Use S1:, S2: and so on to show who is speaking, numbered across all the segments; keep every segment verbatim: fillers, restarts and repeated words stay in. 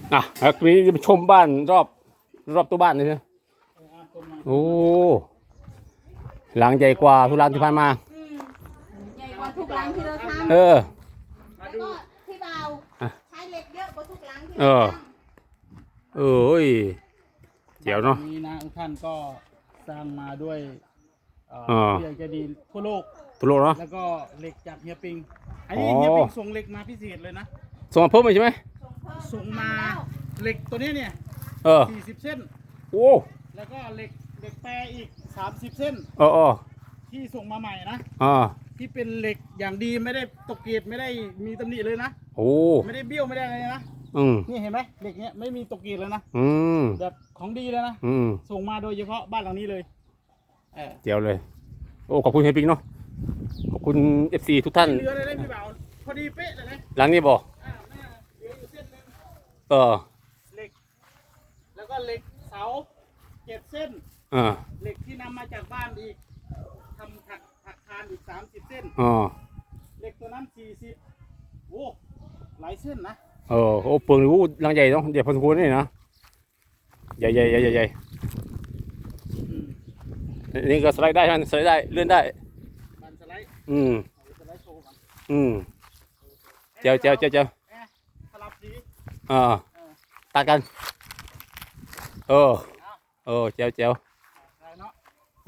S1: อ่ะแล้วทีนี้จะไปชมบ้านรอบรอบตัวบ้านเลยนะโอ้หลังใหญ่กว่าทุกหลังที่ผ่านมา
S2: อืมใหญ่กว่าทุกหลังที่เราทำ
S1: เออ
S2: แล้วก็ที่เบาใช้เหล็กเยอะกว่าทุกหลังที่
S1: เอ
S2: เรา
S1: อ
S2: ทำ
S1: เอ้ยเดี๋ยวเนาะ
S3: นี้นะทุกท่านก็สร้างมาด้วยเอ่อ
S1: อ่า
S3: เฮียใจดีทั่วโลก
S1: ตุโลเนาะ
S3: แล้วก็เหล็กจากเฮียปิงอันนี้
S1: อ๋อ
S3: เฮียปิงส่งเหล็กมาพิเศษเลยนะ
S1: ส่งมาเพิ่มไหมใช่ไหม
S3: ส่งมาเหล็กตัวนี้เนี่ย
S1: เออ
S3: สี่สิบเส้น
S1: โอ้
S3: แล้วก็เหล็กเหล็กแปรอีกสามสิบเส้น
S1: เออเออ
S3: ที่ส่งมาใหม่นะ
S1: อ่า
S3: ที่เป็นเหล็กอย่างดีไม่ได้ตกเกรดไม่ได้มีตำหนิเลยนะ
S1: โอ้
S3: ไม่ได้เบี้ยวไม่ได้อะไรนะ
S1: อืม
S3: นี่เห็นไหมเหล็กเนี้ยไม่มีตกเกรดเลยนะ
S1: อืม
S3: แบบของดีเลยนะ
S1: อืม
S3: ส่งมาโดยเฉพาะบ้านหลังนี้เลยเออ
S1: เดี๋ยวเลยโอ้ขอบคุณเฮยปิงเนาะขอบคุณเอฟซีทุกท่าน
S3: เหลือเลยนะพี่บ่าวพอดีเป๊ะเลยนะ
S1: หลังนี้บอก
S3: อ่าหน้าเหลืออยู่เส้นหนึง
S1: เออ
S3: เหล็ก แล้วก็เหล็กเสาเจ็ดเส้น
S1: อ่า
S3: เหล็กที่นำมาจากบ้านอีกทำถักถักคานอีกสามสิบเส้น
S1: อ๋อ
S3: เหล็กตัวนั้นสี่สิบโอ้หลายเส้นนะ
S1: เออโอ้เปลืองรู้หลังใหญ่เนาะใหญ่พอสมควรนี่นะใหญ่ใหญ่ใหญ่ใหญ่ใหญ่
S3: อืม
S1: อันนี่ก็สไลด์ได้ใช่ไหมสไลด์ได้เลื่อนได้
S3: บันสไลด์
S1: อืม
S3: เอาสไลด์โชว์ก่อน
S1: อืมเจ้าเจ้าเจ้าเจ้า
S3: เอ๊ะสลับสี
S1: อ่า
S3: เออ
S1: ตัดกันเออ
S3: เอา
S1: เออเจ้าเจ้า
S3: ได้เนาะ
S1: โอ้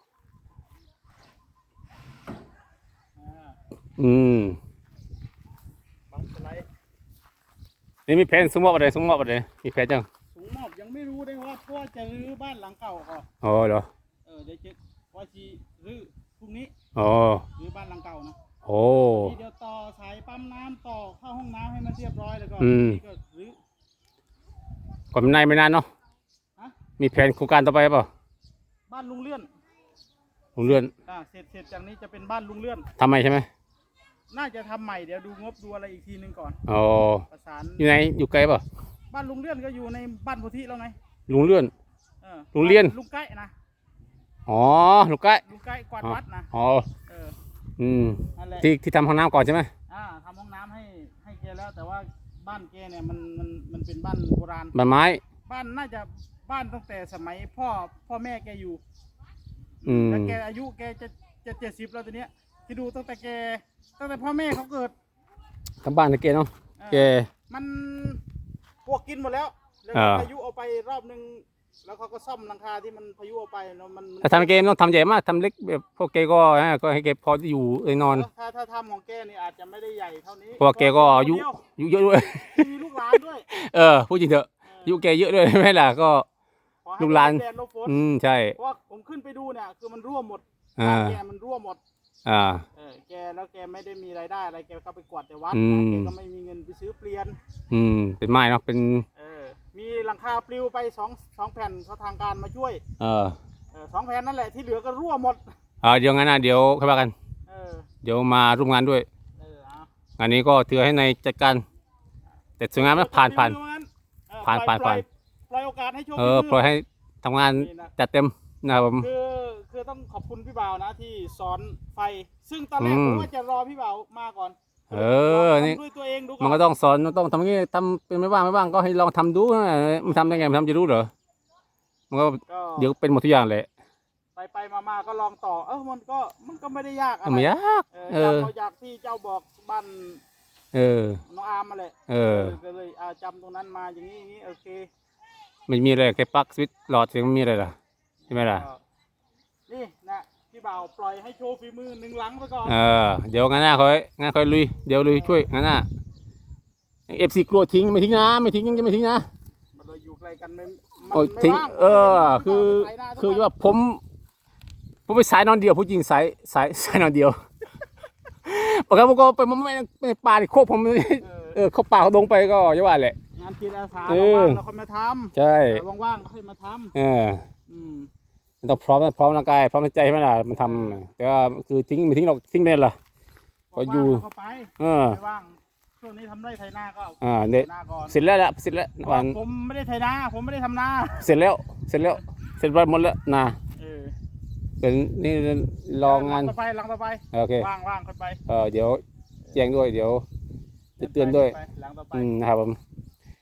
S3: อ่า
S1: อืม
S3: บันสไลด์
S1: นี่มีแผนสมมติอะไรสมมติอะไรมีแผนจัง
S3: สูงมอบยังไม่รู้ได้ว่าเพราะว่าจะรื้อบ้านหลังเก่าก่อน
S1: อ๋อเหรอ
S3: เออเดี๋ยวจะว่าจีรื้อพรุ่งนี้
S1: อ๋อ
S3: รื้อบ้านหลังเก่านะ
S1: โอ้
S3: ทีเดียวต่อสายปั๊มน้ำต่อเข้าห้องน้ำให้มันเรียบร้อยแล้วก็
S1: อืม
S3: นี่ก็รื้อ
S1: ก่อนมันนายไม่นานเนาะ
S3: ฮะ
S1: มีแผนโครงการต่อไปเปล่า
S3: บ้านลุงเลื่อน
S1: ผมเลื่อน
S3: อ่าเสร็จเสร็จจากนี้จะเป็นบ้านลุงเลื่อน
S1: ทำไมใช่ไหม
S3: น่าจะทำใหม่เดี๋ยวดูงบดูอะไรอีกทีหนึงก่อน
S1: อ๋อ
S3: ประสาน
S1: อยู่ไหนอยู่ไกลเปล่า
S3: บ้านลุงเลื่อนก็อยู่ในบ้านโพธิแล้วไง
S1: ลุงเลื่อน
S3: ออ
S1: ลุงเลื่อน
S3: ลุงใกล้นะ
S1: อ๋อลูกไก่
S3: ลุงใกล้กวาดวัดนะ
S1: อ๋อ
S3: เออ
S1: อืม
S3: นั่นแหละ
S1: ที่ที่ทำห้องน้ำก่อนใช่ไหม
S3: อ่าทำห้องน้ำให้ให้แกแล้ว แต่ว่าบ้านแกเนี่ยมันมันมันเป็นบ้านโบราณ
S1: ใบไม้
S3: บ้านน่าจะบ้านตั้งแต่สมัยพ่อพ่อแม่แกอยู่
S1: อืม
S3: แล้วแกอายุแกจะจะเจ็ดสิบแล้วตอนเนี้ยที่ดูตั้งแต่แกตั้งแต่พ่อแม่เขาเกิด
S1: ทำบ้านตะเกียเนาะ
S3: เออ
S1: แก
S3: มันพวกกินหมดแล้วแล้ว
S1: อ่า
S3: พายุเอาไปรอบนึงแล้วเขาก็ซ่อมหลังคาที่มันพายุเอาไปแล้วมันมัน
S1: ถ้าทำเกมต้องทำใหญ่มากทำเล็กแบบพวกแกก็ฮะก็ให้แกพออยู่เอ้ยนอน
S3: ถ้าถ้าทำของแกนี่อาจจะไม่ได้ใหญ่เท่านี้
S1: เพราะว่าแกก็อายุ
S3: เดีว
S1: อายุเยอะด้วย
S3: มีลูกหลานด้วย
S1: เออพูดจริงเถอะอายุแกเยอะด้วยใช่ไหมล่ะก็
S3: ขอให้
S1: ลูกหลาน
S3: แดดลบฝน
S1: อืมใช่
S3: เพราะว่าผมขึ้นไปดูเนี่ยคือมันรั่วหมด
S1: อ่า
S3: บ้านแกมันรั่วหมด
S1: อ่า
S3: เออแกแล้วแกไม่ได้มีรายได้อะไรแกก็ไปกวาดแต่วัด
S1: อืม
S3: แกก็ไม่มีเงินไปซื้อเปลี่ยน
S1: อืมเป็นไม้เนาะเป็น
S3: เออมีหลังคาปลิวไปสองสองแผ่นเขาทางการมาช่วย
S1: เออ
S3: เออสองแผ่นนั่นแหละที่เหลือก็รั่วหมด
S1: อ่าเดี๋ยวงั้นนะเดี๋ยวค่อยว่ากัน
S3: เออ
S1: เดี๋ยวมาร่วมงานด้วย
S3: เออเอา
S1: งานนี้ก็ถือให้ในจัดการแต่สวยงามนะผ่านผ่าน
S3: เออ
S1: ผ่าน
S3: ปล่อย
S1: ผ่าน
S3: ปล่อยปล่อยโอกาสให้โชค
S1: เออปล่อยให้ทำงาน
S3: นี่นะ
S1: จัดเต็มนะครับผม
S3: คือคือต้องขอบคุณพี่บ่าวนะที่สอนไฟ ซึ่งตอนแรก
S1: อื
S3: ผม มว่าจะรอพี่บ่าวมาก่อน
S1: เออ
S3: ลง
S1: นี่
S3: ทำด้วยตัวเองดูก่
S1: มัน
S3: อ
S1: ก็
S3: น
S1: ต้องสอนมันต้องทำอย่างนี้ทำเป็นไม่ว่างไม่ว่างก็ให้ลองทำดูนะมันทำได้ไงมันทำจะรู้เหรอมันก็
S3: ก็
S1: เดี๋ยวเป็นหมดทุกอย่างเลย
S3: ไปไปมามาก็ลองต่อ เออมันก็มันก็ไม่ได้ยากอะไร
S1: ไม่ยาก
S3: เออ
S1: เออ
S3: จำเอาจากที่เจ้าบอกบ้าน
S1: เออ
S3: น้องอาร์มมาแหละ
S1: เออ
S3: ก็เลยอ่าจำตรงนั้นมาอย่างนี้อย่างนี้โอเค
S1: ไม่มีอะไรแค่ปลั๊กสวิตช์หลอดเสียงไม่มีอะไรล่ะใช่ไหมล่ะ
S3: ก็นี่นะพี่บ่าวปล่อยให้โชว์ฝีมือหนึ่งหลังไปก่อน
S1: เออเดี๋ยวงานหน้าค่อยงานค่อยลุยเดี๋ยวลุยช่วยงานหน้าเอฟซีกลัวทิ้งไม่ทิ้งนะไม่ทิ้งยังจะไม่ทิ้งนะ
S3: มันเลยอยู่ไกลกันไม่มัน
S1: โอ้ย
S3: ไม่
S1: ทิ้ง
S3: ว่าง
S1: เออคือ
S3: ไปหน้าทุก
S1: คือ
S3: วัน
S1: ว่าผมผมไปสายนอนเดียวพูดจริงสายสายสายนอนเดียวปกติผมก็ไปมันไม่ไม่ป่าที่โคกผม
S3: เออ
S1: เออเข้าป่าเขาดงไปก็อย่าว่าแหละ
S3: งานจิตอาสา
S1: เออ
S3: ว่างๆเราค่อยมาท
S1: ใช่
S3: ำแต่ว่างๆก็ค่อยมาท
S1: เออ
S3: ำอืม
S1: มันต้องพร้อมนะพร้อมร่างกายพร้อมใจใช่ไหมล่ะมันทำแต่ว่าคือทิ้งไม่ทิ้งหรอกทิ้งไม่ได้หรอ ก็อยู่
S3: ว่างๆเราก็ไป
S1: เออ
S3: ไม่ว่างช่วงนี้ทำไร่ไถนาก็
S1: อ่าเนี่ย
S3: ไถนาก่อน
S1: เสร็จแล้วละเสร็จแล้ววัน
S3: ผมไม่ได้ไถนาผมไม่ได้ทำนา
S1: เสร็จแล้วเสร็จแล้วเสร็จไปหมดแล้วนะ
S3: เออ
S1: เป็นนี่รองาน
S3: หลัต่อไปหลังต่อไป
S1: โอเค
S3: ว่างว่างค่อยไป
S1: เออเดี๋ยวแจ้งด้วยเดี๋ยวจะเตือนด้วย
S3: ไปหลังต่อไป
S1: อืมนะครับผม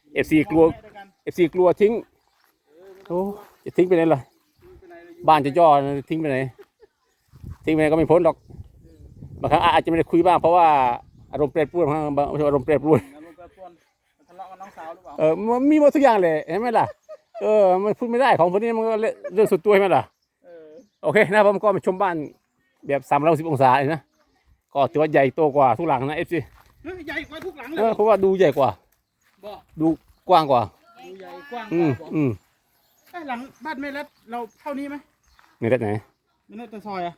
S1: เอฟซีกลัว
S3: แม่ด้วยกัน
S1: เอฟซีกลัวทิ้งโอ้จะทิ้งไปไหนล่ะ
S3: ไปไหนเลยอยู่
S1: บ้านจะย่อทิ้งไปไหนทิ้งไปไหนก็ไม่พ้นหรอกบางครั้งอาจจะไม่ได้คุยบ้างเพราะว่าอารมณ์แปรปรวนบางบางอารมณ์แปรปรวน
S3: อารมณ์แปรปรวนทะเลาะกับน้องสาวหรือเปล่า
S1: เออมันมีหมดทุกอย่างเลยเห็นไหมล่ะเออมันพูดไม่ได้ของพวกนี้มันก็เรื่องส่วนตัวใช่ไหมล่ะ
S3: เออ
S1: โอเคนะครับผมก็มาชมบ้านแบบสามร้อยสิบองศาเลยนะก็ถือว่าใหญ่โตกว่าทุกหลังนะเอฟซี
S3: เฮ้ยใหญ่กว่าทุกหลังเล
S1: เอย อเพราะว่าดูใหญ่กว่า
S3: บ่
S1: ดูกว้างกว่า
S3: ดูใหญ่กว้างก
S1: อืม
S3: ว่าบ่
S1: อืม
S3: ไอ้ยหลังบ้านแม่เล็ดเราเท่านี้ไหม
S1: ในด้านไหน
S3: ไม่น่าจะซอยอะ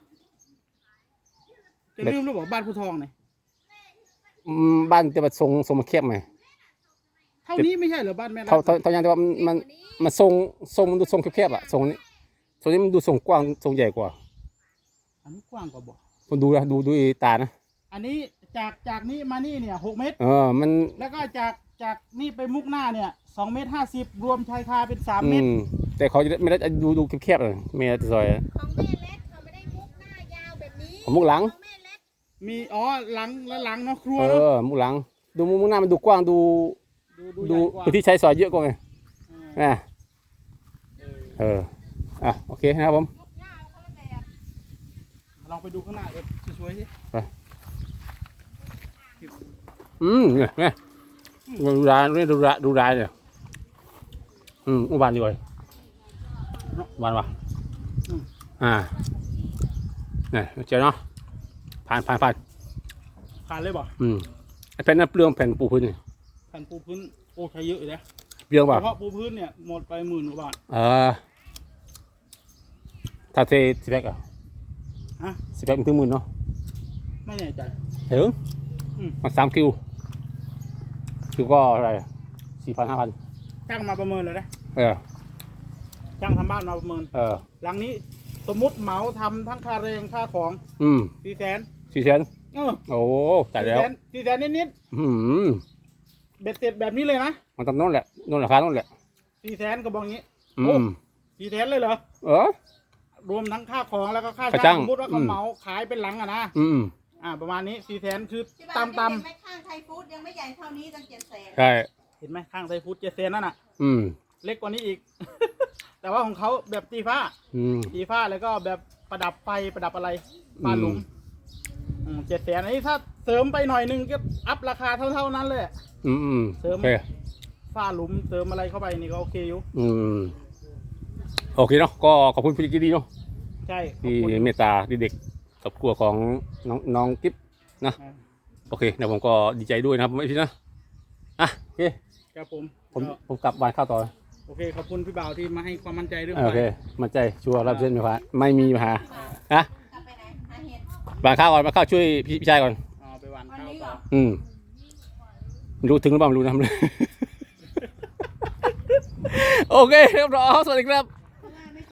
S3: จะลืมหรือเปล่าบ้านผู้ทองเนี่ย
S1: อืมบ้านจะมาทรงทรงมาแคบไหม
S3: เท่านี้ไม่ใช่เหรอบ้านแม่เล็ด
S1: เท่าเท่าเท่ายังแต่ว่ามันมันมันทรงทรงมันดูทรงแคบๆอะทรงนี้ทรงนี้มันดูทรงกว้างทรงใหญ่กว่า
S3: อันนี้กว้างกว่าบ่
S1: คนดูนะดูดูตานะ
S3: อันนี้จากจากนี้มานี่เนี่ยหกเมตร
S1: เออมัน
S3: แล้วก็จากจากนี่ไปมุกหน้าเนี่ยสองเมตรห้าสิบรวมชายคาเป็นสาม
S1: อื
S3: เมตร
S1: มแต่เขาจะไม่ได้ดูดูแคบๆเลยไม่ได้ซอยอะ
S2: ของแม่เล็กเขาไม่ได้มุกหน้ายาวแบบนี้
S1: ของมุกหลัง
S2: ของแม่เล็ก
S3: มีอ๋อหลังและหลังเนาะครัว
S1: เอ
S3: เนาะ
S1: อมุกหลัง ดูมุกหน้ามันดูกว้างดู
S3: ดู
S1: ดู
S3: ใหญ่กว่า
S1: พื้นที่ใช้สอยเยอะกว่าไง
S3: เออ
S1: อ่ะเอออ่ะโอเคนะครับผม
S3: ลองไปดูข้างหน้าเอฟสวยๆสิ
S1: อืมเนี่ยเนี่ยดูร้านนี่ดูร้านดูร้านเนี่ยอืมอุบานดีกว่าอุบานวะอ่าเนี่ยเจอเนาะผ่านผ่านผ่าน
S3: ผ่านเลยบ่
S1: อืมไอ้แผ่นนั้นเปลืองแผ่นปูพื้นนี่
S3: แผ่นปูพื้นโอ้ใช้เยอะเลยนะ
S1: เปลืองเปล่า
S3: เฉพาะปูพื้นเนี่ยหมดไปหมื่นกว่าบาท
S1: เออถ้าเทสิบแพ็กอ่ะ
S3: ฮะ
S1: สิบแพ็กมันถึงหมื่นเนาะ
S3: ไม่แน่ใจ
S1: ถึง
S3: อืม
S1: มาสามคิวคิวก็อะไรสี่พันห้าพัน
S3: ช่างมาประเมินเลยนะ
S1: เออ
S3: ช่างทำบ้านมาประเมิน
S1: เออ
S3: หลังนี้สมมุติเหมาทำทั้งค่าแรงค่าของ
S1: อืม
S3: สี่แสน
S1: สี่แสน
S3: เออ
S1: โอ้จ่ายแล้ว
S3: สี่แสนสี่แสนนิด
S1: อืม
S3: ๆเบ็ดเสร็จแบบนี้เลยนะ
S1: มันตำโน้นแหละโน่นราคาโน่นแหละ
S3: สี่แสนก็บอกงี้
S1: อืม
S3: สี่แสนเลยเหรอ
S1: เออ
S3: รวมทั้งค่าของแล้วก็ค่า
S1: ค่า
S3: ช่า
S1: จ้าง ง
S3: สมมติว่าเขา
S1: อืม
S3: เหมาขายเป็นหลังอะนะ
S1: อืม
S3: อ่าประมาณนี้สี่แสนคือ
S2: ที่บ้าน
S3: ตำต
S2: เห็นไหมข้างไทยฟู้ดยังไม่ใหญ่เท่านี้ตั้งเจ็ดแสน
S1: ใช่
S3: ำเห็นไหมข้างไซฟูดเจ็ดแสนนั่นน่ะ
S1: อืม
S3: เล็กกว่านี้อีก แต่ว่าของเขาแบบตีฟ้า
S1: อืม
S3: ตีฟ้าแล้วก็แบบประดับไฟประดับอะไรฟ้าหลุมเจ็ดแสนอันนี้ถ้าเสริมไปหน่อยนึงก็อัพราคาเท่าๆนั้นเลย
S1: อืมอืม
S3: เสริม
S1: โอเค
S3: ฟ้าหลุมเติมอะไรเข้าไปนี่ก็โอเคอยู่
S1: อืมโอเคเนาะก็ขอบคุณพี่ดีเนาะ
S3: ใช่ขอบ
S1: ที่
S3: คุณ
S1: เมตตาที่เด็กครอบครัวของน้องน้องกิ๊บนะ
S3: อ่า
S1: โอเคนะผมก็ดีใจด้วยนะครับไม่พี่นะอ่ะโอเค
S3: ครับผม
S1: ผม
S3: ก็
S1: ผมกลับบ้านข้าวต่อ
S3: โอเคขอบคุณพี่บ่าวที่มาให้ความมั่นใจเรื่อง
S1: โอเค
S3: ไฟ
S1: มั่นใจชัวร์รับเส้นไหมครับไม่มีปัญหาฮะ
S2: กลับไปไหนหาเห็ด
S1: บ้านข้าวก่อนมาข้าวช่วยพี่พี่ชายก่อน
S3: เอาไปหวาน
S2: วัน
S3: ข้าว
S2: นี้เหร
S3: ต่อ
S2: อ
S1: อืมไม่รู้ถึงหรือเปล่าไม่รู้นะ โอเคครับรอสวัสดีครับ